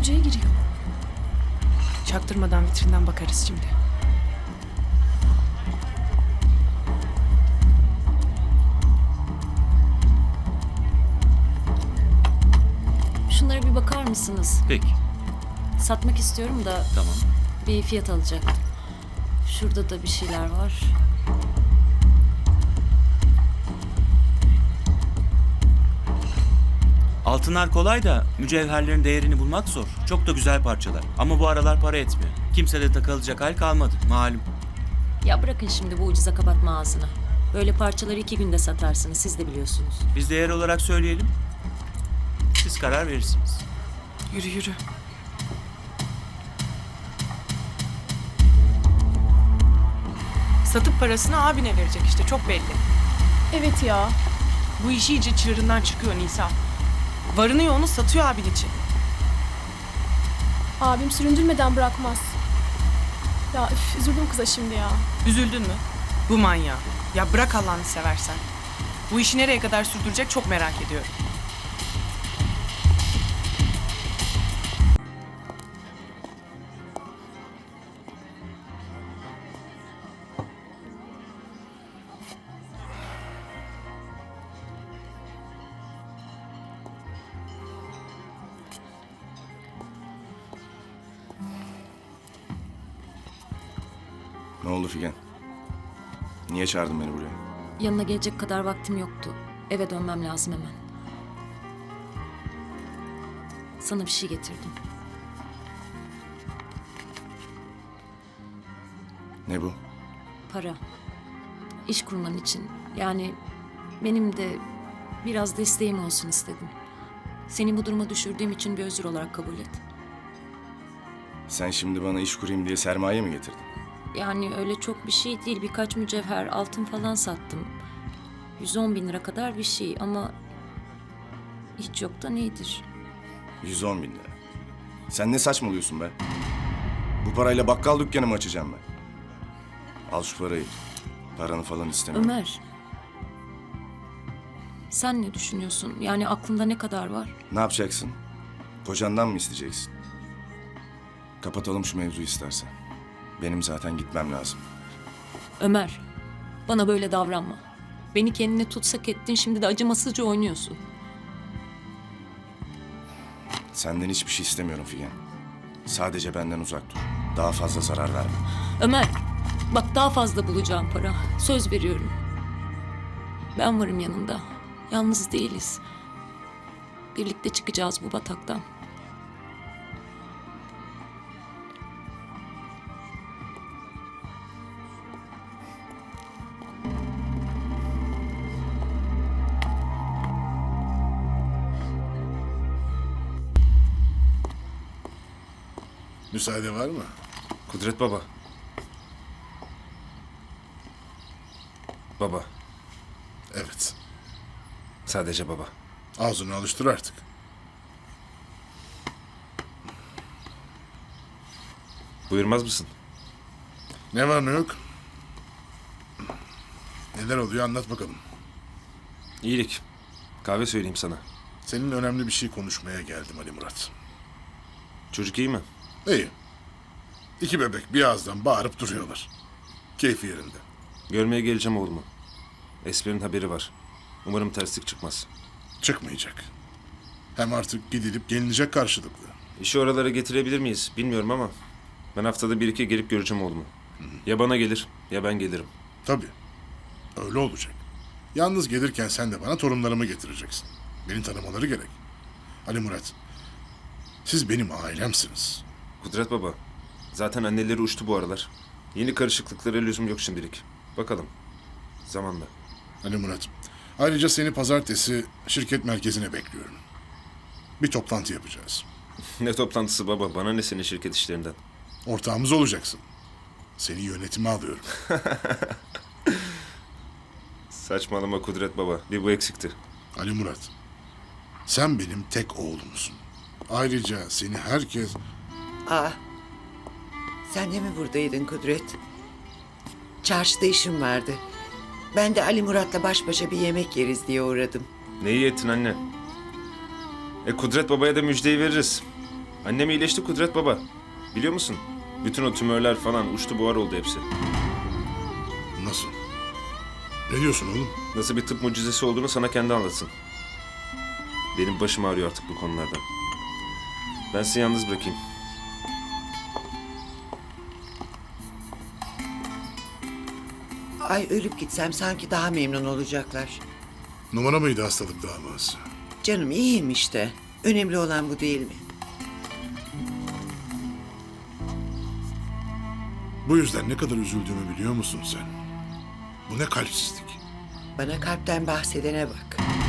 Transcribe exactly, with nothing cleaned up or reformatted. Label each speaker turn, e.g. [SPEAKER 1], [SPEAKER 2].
[SPEAKER 1] düşünceye giriyor.
[SPEAKER 2] Çaktırmadan vitrinden bakarız şimdi.
[SPEAKER 3] Şunlara bir bakar mısınız?
[SPEAKER 4] Peki,
[SPEAKER 3] Satmak istiyorum da
[SPEAKER 4] tamam.
[SPEAKER 3] bir fiyat alacaktım. Şurada da bir şeyler var.
[SPEAKER 4] Altınlar kolay da mücevherlerin değerini bulmak zor. Çok da güzel parçalar. Ama bu aralar para etmiyor. Kimse de takılacak hal kalmadı, malum.
[SPEAKER 3] Ya bırakın şimdi bu ucuza kapatma ağzını. Böyle parçaları iki günde satarsınız, siz de biliyorsunuz.
[SPEAKER 4] Biz değer olarak söyleyelim. Siz karar verirsiniz.
[SPEAKER 2] Yürü yürü. Satıp parasını abine verecek işte, çok belli.
[SPEAKER 1] Evet ya.
[SPEAKER 2] Bu işi iyice çığırından çıkıyor Nisa. Varını yoğunu satıyor abin için.
[SPEAKER 1] Abim süründürmeden bırakmaz. Ya üf, üzüldüm kıza şimdi ya.
[SPEAKER 2] Üzüldün mü? Bu manyağı. Ya bırak Allah'ını seversen. Bu işi nereye kadar sürdürecek çok merak ediyorum.
[SPEAKER 5] Ne oldu Figen? Niye çağırdın beni buraya?
[SPEAKER 3] Yanına gelecek kadar vaktim yoktu. Eve dönmem lazım hemen. Sana bir şey getirdim.
[SPEAKER 5] Ne bu?
[SPEAKER 3] Para. İş kurman için. Yani benim de biraz desteğim olsun istedim. Seni bu duruma düşürdüğüm için bir özür olarak kabul et.
[SPEAKER 5] Sen şimdi bana iş kurayım diye sermaye mi getirdin?
[SPEAKER 3] Yani öyle çok bir şey değil. Birkaç mücevher, altın falan sattım. yüz on bin lira kadar bir şey ama hiç yoktan iyidir.
[SPEAKER 5] yüz on bin lira. Sen ne saçmalıyorsun be? Bu parayla bakkal dükkanı mı açacağım ben? Al şu parayı. Paranı falan istemiyorum.
[SPEAKER 3] Ömer, sen ne düşünüyorsun? Yani aklında ne kadar var?
[SPEAKER 5] Ne yapacaksın? Kocandan mı isteyeceksin? Kapatalım şu mevzuyu istersen. Benim zaten gitmem lazım.
[SPEAKER 3] Ömer, bana böyle davranma. Beni kendine tutsak ettin, şimdi de acımasızca oynuyorsun.
[SPEAKER 5] Senden hiçbir şey istemiyorum Figen. Sadece benden uzak dur. Daha fazla zarar verme.
[SPEAKER 3] Ömer, bak daha fazla bulacağım para. Söz veriyorum. Ben varım yanında. Yalnız değiliz. Birlikte çıkacağız bu bataktan.
[SPEAKER 6] Müsaade var mı?
[SPEAKER 7] Kudret baba. Baba.
[SPEAKER 6] Evet.
[SPEAKER 7] Sadece baba.
[SPEAKER 6] Ağzını alıştır artık.
[SPEAKER 7] Buyurmaz mısın?
[SPEAKER 6] Ne var ne yok? Neler oluyor anlat bakalım.
[SPEAKER 7] İyilik. Kahve söyleyeyim sana.
[SPEAKER 6] Senin önemli bir şey konuşmaya geldim Ali Murat.
[SPEAKER 7] Çocuk iyi mi?
[SPEAKER 6] İyi. İki bebek bir ağızdan bağırıp duruyorlar. Keyfi yerinde.
[SPEAKER 7] Görmeye geleceğim oğlumu. Esmer'in haberi var. Umarım terslik çıkmaz.
[SPEAKER 6] Çıkmayacak. Hem artık gidilip gelinecek karşılıklı.
[SPEAKER 7] İşi oralara getirebilir miyiz bilmiyorum ama ben haftada bir iki gelip göreceğim oğlumu. Ya bana gelir ya ben gelirim.
[SPEAKER 6] Tabii. Öyle olacak. Yalnız gelirken sen de bana torunlarımı getireceksin. Beni tanımaları gerek. Ali Murat, siz benim ailemsiniz.
[SPEAKER 7] Kudret baba. Zaten anneleri uçtu bu aralar. Yeni karışıklıklara lüzum yok şimdilik. Bakalım. Zamanla.
[SPEAKER 6] Ali Murat, ayrıca seni pazartesi şirket merkezine bekliyorum. Bir toplantı yapacağız.
[SPEAKER 7] Ne toplantısı baba? Bana ne senin şirket işlerinden?
[SPEAKER 6] Ortağımız olacaksın. Seni yönetime alıyorum.
[SPEAKER 7] Saçmalama Kudret baba. Bir bu eksikti.
[SPEAKER 6] Ali Murat, sen benim tek oğlumsun. Ayrıca seni herkes...
[SPEAKER 8] Aa, sen de mi buradaydın Kudret? Çarşıda işim vardı. Ben de Ali Murat'la baş başa bir yemek yeriz diye uğradım.
[SPEAKER 7] Ne iyi ettin anne. E Kudret babaya da müjdeyi veririz. Annem iyileşti Kudret baba. Biliyor musun? Bütün o tümörler falan uçtu buhar oldu hepsi.
[SPEAKER 6] Nasıl? Ne diyorsun oğlum?
[SPEAKER 7] Nasıl bir tıp mucizesi olduğunu sana kendi anlatsın. Benim başım ağrıyor artık bu konulardan. Ben sizi yalnız bırakayım.
[SPEAKER 8] Ay ölüp gitsem sanki daha memnun olacaklar.
[SPEAKER 6] Numara mıydı hastalık davası?
[SPEAKER 8] Canım iyiyim işte. Önemli olan bu değil mi?
[SPEAKER 6] Bu yüzden ne kadar üzüldüğümü biliyor musun sen? Bu ne kalpsizlik.
[SPEAKER 8] Bana kalpten bahsedene bak.